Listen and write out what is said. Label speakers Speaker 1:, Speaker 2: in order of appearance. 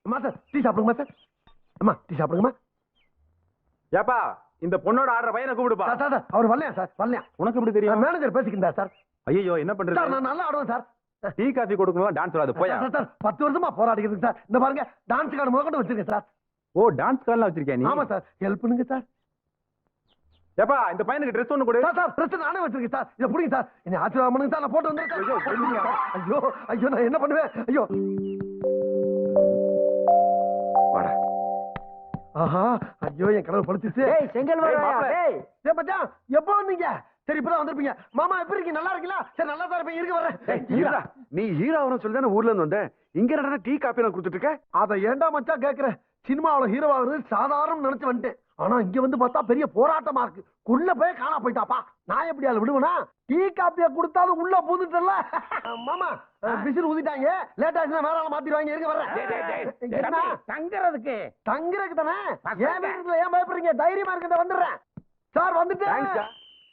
Speaker 1: Master tea சாப்பிடுங்க master. அம்மா tea சாப்பிடுங்கம்மா.
Speaker 2: ஏப்பா இந்த பொண்ணோட ஆடுற பையனை கூப்பிடுப்பா.
Speaker 1: சார் அவர் வரலையா சார்? வரலையா?
Speaker 2: உனக்கு எப்படி தெரியும்?
Speaker 1: மேனேஜர் பேசிக்கிட்டா சார்.
Speaker 2: ஐயோ என்ன பண்றது
Speaker 1: சார்? நான் நல்லா ஆடுவேன் சார்.
Speaker 2: டீ காஃபி கொடுக்கணும் டான்ஸ் வராது போயா.
Speaker 1: சார் 10 வருஷமா போராடிக்கிறதுக்கு சார். இந்த பாருங்க டான்ஸ் கார்டு முதல்ல வச்சிருக்கேன் சார்.
Speaker 2: ஓ டான்ஸ் கார்டுலாம் வச்சிருக்கியா நீ?
Speaker 1: ஆமா சார், ஹெல்ப் பண்ணுங்க சார்.
Speaker 2: ஏப்பா இந்த பையனுக்கு ட்ரெஸ் ஒண்ணு கொடு.
Speaker 1: சார் ட்ரெஸ் நானே வச்சிருக்கேன் சார். இத புடிங்க சார். என்ன ஆச்சரியம் பண்ணுங்க சார். நான் போட்டு வந்திருக்கேன். ஐயோ ஐயோ நான் என்ன பண்ணுவேன்? ஐயோ வாடா. ஆஹா ஐயோ என் கடவுள் படுத்துச்சு.
Speaker 3: டேய் செங்கல் வரயா டேய்.
Speaker 1: டேய் மச்சான் எப்போ வந்தீங்க? சரி இப்பதான் வந்திருப்பீங்க. மாமா எப்படி இருக்கீங்க? நல்லா இருக்கீங்களா? சரி நல்லா தான் இருப்பேன். இருக்க வரேன்.
Speaker 2: நீ ஹீரோவனு சொல்லி தானே ஊர்ல இருந்து வந்த. இங்க என்னடா டீ காபி எல்லாம் கொடுத்துட்டு இருக்க?
Speaker 1: அத ஏன்டா மச்சான் கேக்குற? சினிமாவுல ஹீரோவாகிறது சாதாரணம் நினைச்சு வந்துட்டேன். ஆனா இங்க வந்து பார்த்தா பெரிய போராட்டமா இருக்கு. உள்ள போய் காணா போயிட்டாப்பா. நான் எப்படி ஆளு விடுவேனா? டீ காப்பிய கொடுத்தாலும் உள்ள பூந்துட்டல. மாமா பிசில் ஊதிட்டாங்க. லேட் ஆச்சுன்னா வேற ஆள மாத்திடுவாங்க. இருக்க வரேன்.
Speaker 3: தங்கறதுக்கு
Speaker 1: தங்கறதுக்கு தானே. ஏன் வீட்டுல ஏன் பயப்படுறீங்க? தைரியமா இருக்க வந்துடுறேன் சார். வந்துட்டேன்.